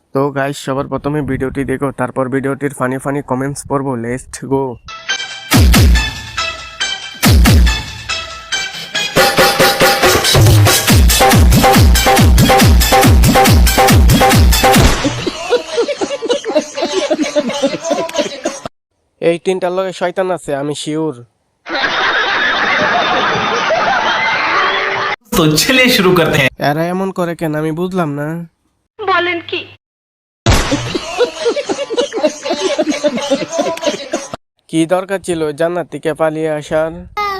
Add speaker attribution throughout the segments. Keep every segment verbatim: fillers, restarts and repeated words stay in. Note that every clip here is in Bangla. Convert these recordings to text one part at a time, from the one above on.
Speaker 1: তো গাইস, সবার প্রথমে ভিডিওটি দেখো, তারপর ভিডিওটির ফানি ফানি কমেন্টস পড়বো। Let's go. এই তিনটার লগে শয়তান আছে, আমি শিওর।
Speaker 2: तो चलिए शुरू करते हैं।
Speaker 1: এরা এমন করে কেন আমি বুঝলাম না।
Speaker 3: বলেন কি?
Speaker 1: কি দরকার ছিল জান্নাত থেকে পালিয়ে আসার?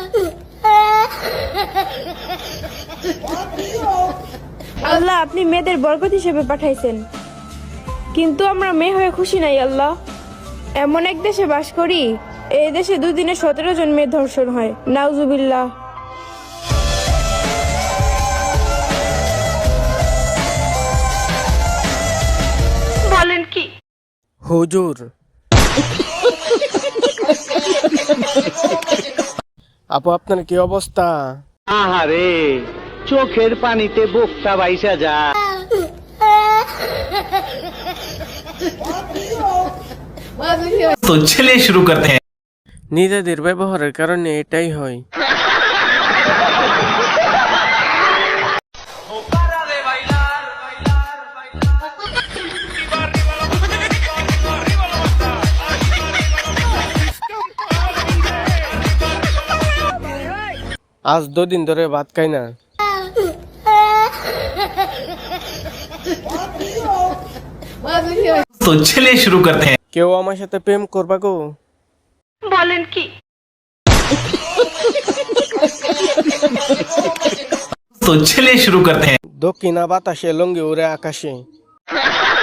Speaker 4: আল্লাহ, আপনি মেয়েদের বরকত হিসেবে পাঠাইছেন, কিন্তু আমরা মেয়ে হয়ে খুশি নাই। আল্লাহ, এমন এক দেশে বাস করি, এই দেশে দুদিনে সতেরো জন মেয়ে ধর্ষণ হয়। নাউজুবিল্লাহ।
Speaker 3: বলেন কি?
Speaker 1: হুজুর, আপু আপনার কি অবস্থা?
Speaker 5: আহারে, চোখের পানিতে বোকটা বাইসা যা।
Speaker 2: तो चलिए शुरू करते हैं।
Speaker 1: নিজেদের ব্যবহারের কারণে এটাই হয়। আজ দুদিন ধরে ভাত খাই না।
Speaker 2: तो चलिए शुरू करते हैं।
Speaker 1: কেউ আমার সাথে প্রেম করবা গো?
Speaker 3: বলেন কি?
Speaker 2: तो चलिए शुरू करते हैं।
Speaker 1: দক্ষিণা বাতাসে লঙ্গি উড়ে আকাশে।